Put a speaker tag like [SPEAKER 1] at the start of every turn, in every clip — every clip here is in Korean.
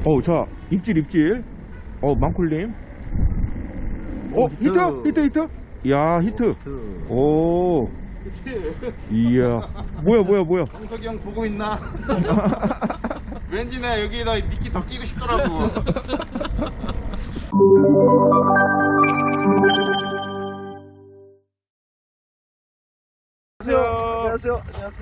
[SPEAKER 1] 자, 입질. 망쿨님. 히트. 야, 히트. 오. 이야. 뭐야.
[SPEAKER 2] 정석이 형 보고 있나? 왠지 나 여기에다 미끼 더 끼고 싶더라고.
[SPEAKER 3] 안녕하세요.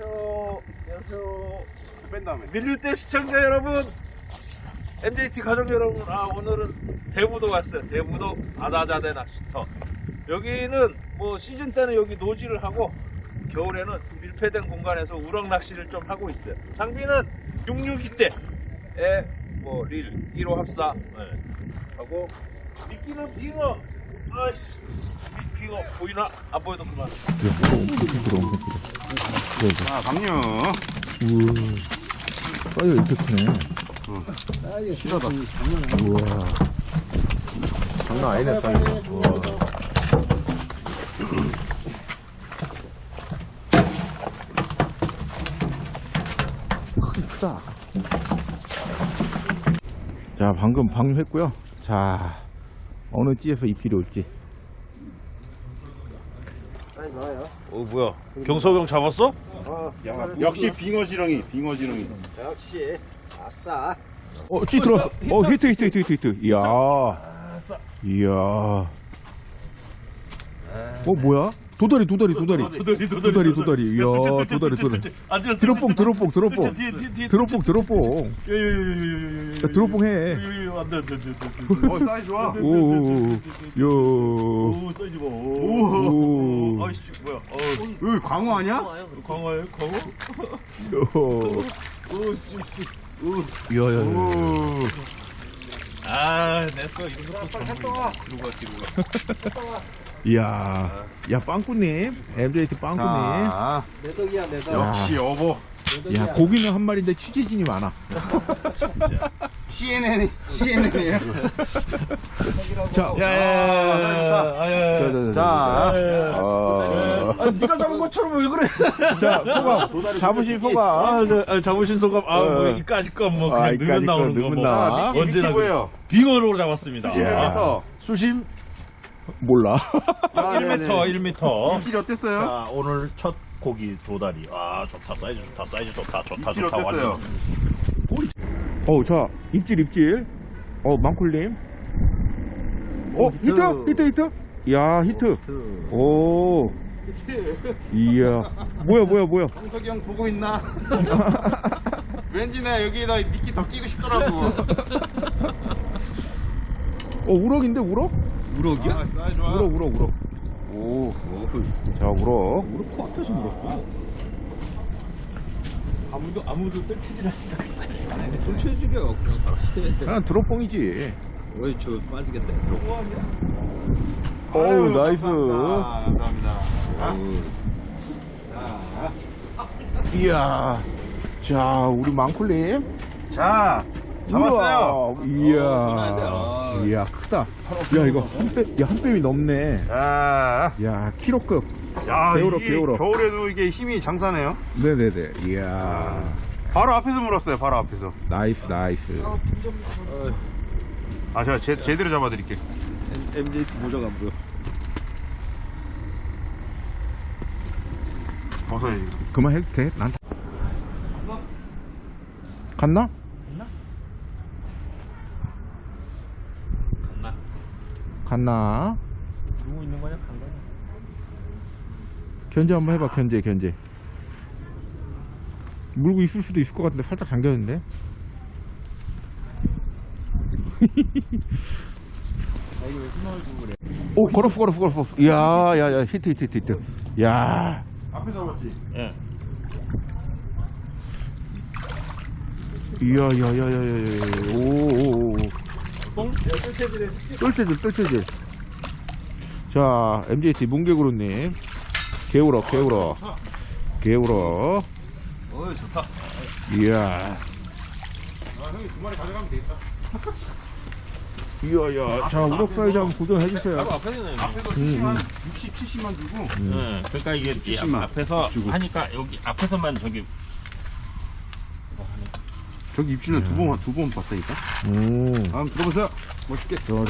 [SPEAKER 2] 뺀 다음에.
[SPEAKER 3] 밀릴때 시청자 여러분, MJT 가족 여러분, 오늘은 대부도 왔어요. 대부도 아다자대 낚시터. 여기는 뭐 시즌 때는 여기 노지를 하고 겨울에는 밀폐된 공간에서 우럭 낚시를 좀 하고 있어요. 장비는 662대에 뭐 릴 1호 합사 하고 미끼는 빙어. 빙어 보이나? 안 보여도 그만.
[SPEAKER 2] 자, 감류.
[SPEAKER 1] 우와. 사이즈가 이렇게 크네.
[SPEAKER 2] 실하다.
[SPEAKER 1] 우와. 장난 아니네, 사이즈. 우와. 크다. 자, 방금 방류했고요. 자, 어느 찌에서 입질이 올지.
[SPEAKER 3] 뭐야? 경석형 잡았어?
[SPEAKER 2] 역시 빙어 지렁이.
[SPEAKER 3] 역시 아싸.
[SPEAKER 1] 찌 들어왔어. 히트. 이야. 뭐야? 도다리. 이야, 도다리. 드롭봉. 야, 드롭봉 해.
[SPEAKER 2] 사이즈 좋아.
[SPEAKER 3] 오, 사이즈 봐.
[SPEAKER 1] 오.
[SPEAKER 3] 아이씨, 뭐야?
[SPEAKER 2] 여기 광어 아니야?
[SPEAKER 3] 광어예요? 광어?
[SPEAKER 1] 이야.
[SPEAKER 3] 내꺼 이런 것도 전부 뒤로 가.
[SPEAKER 1] 이야. 야, 빵꾸님. MJT 빵꾸님.
[SPEAKER 2] 자,
[SPEAKER 3] 내 덕이야, 내 덕.
[SPEAKER 2] 역시 어버.
[SPEAKER 1] 야, 고기는 한 마리인데 취재진이 많아.
[SPEAKER 2] CNN이에요.
[SPEAKER 1] 자,
[SPEAKER 3] 네가 잡은 것처럼 왜 그래?
[SPEAKER 1] 자, 소감. 잡으신 소감.
[SPEAKER 3] 잡으신 소감. 이까짓 건 뭐, 그냥
[SPEAKER 1] 이까짓
[SPEAKER 3] 넣으면 나오는
[SPEAKER 1] 건
[SPEAKER 3] 거 뭐.
[SPEAKER 1] 넣는다.
[SPEAKER 3] 언제나
[SPEAKER 2] 뭐예요?
[SPEAKER 3] 빙어로 잡았습니다.
[SPEAKER 1] 수심? 몰라.
[SPEAKER 3] 1m.
[SPEAKER 2] 입질이 어땠어요?
[SPEAKER 3] 자, 오늘 첫 고기 도다리. 좋다. 사이즈 좋다.
[SPEAKER 2] 입질이 어땠어요?
[SPEAKER 1] 자, 입질. 망쿨님. 히트. 야, 히트. 오. 이야. 뭐야.
[SPEAKER 2] 정석이 형 보고 있나? 왠지 나 여기에다 미끼 더 끼고 싶더라고.
[SPEAKER 1] 우럭인데, 우럭?
[SPEAKER 2] 우럭이야? 사이즈 좋아.
[SPEAKER 1] 우럭. 오. 자, 우럭.
[SPEAKER 3] 우럭 코앞에서 물었어. 아무도 뜰치질 않는다. 뜰치질이야. 그냥 바로 해.
[SPEAKER 1] 그냥 드롭봉이지.
[SPEAKER 3] 어이, 저 빠지겠다. 들어.
[SPEAKER 1] 어우, 나이스.
[SPEAKER 2] 감사합니다.
[SPEAKER 1] 이야. 자, 우리 망쿨님.
[SPEAKER 2] 자, 잡았어요.
[SPEAKER 1] 이야, 크다. 야, 이거 한 뺨이 넘네.
[SPEAKER 2] 자,
[SPEAKER 1] 야, 키로급.
[SPEAKER 2] 야,
[SPEAKER 1] 개우럭.
[SPEAKER 2] 겨울에도 이게 힘이 장사네요.
[SPEAKER 1] 네네네. 이야.
[SPEAKER 2] 바로 앞에서 물었어요. 바로 앞에서.
[SPEAKER 1] 나이스.
[SPEAKER 2] 제가 제대로 잡아드릴게요.
[SPEAKER 3] MJT 모자가 안 보여.
[SPEAKER 2] 벗어야지.
[SPEAKER 1] 그만 해도 돼? 난 갔나? 갔나?
[SPEAKER 3] 누구 있는 거냐? 간 거냐?
[SPEAKER 1] 견제 한번 해봐. 견제. 물고 있을 수도 있을 것 같은데 살짝 잠겼는데. 오, 걸었어. 야, 히트. 야.
[SPEAKER 2] 앞에 잡았지?
[SPEAKER 3] 예.
[SPEAKER 1] 이야. 오. 뜰채질. 자, MJT 문개구루님. 개우럭.
[SPEAKER 3] 좋다.
[SPEAKER 1] 이야.
[SPEAKER 2] 형이 2마리 가져가면 되겠다.
[SPEAKER 1] 이야. 자, 우럭 사이즈 한번 도전해주세요.
[SPEAKER 2] 앞에서 60, 70만 주고.
[SPEAKER 3] 그러니까 이게
[SPEAKER 2] 70만
[SPEAKER 3] 앞에서
[SPEAKER 2] 주고.
[SPEAKER 3] 하니까 여기 앞에서만 저기
[SPEAKER 2] 저기 입질은 두 번 봤다니까. 다음 들어보세요. 멋있게.
[SPEAKER 1] 좋아.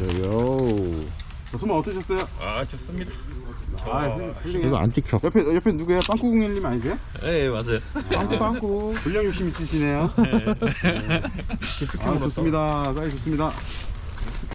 [SPEAKER 2] 소만 어떠셨어요?
[SPEAKER 4] 아 좋습니다.
[SPEAKER 2] 훌륭해요.
[SPEAKER 1] 이거 안 찍혀.
[SPEAKER 2] 옆에 누구예요? 빵꾸공일님 아니세요?
[SPEAKER 4] 네 맞아요.
[SPEAKER 2] 빵꾸. 분량 욕심 있으시네요. 아, 좋습니다. 사이 좋습니다.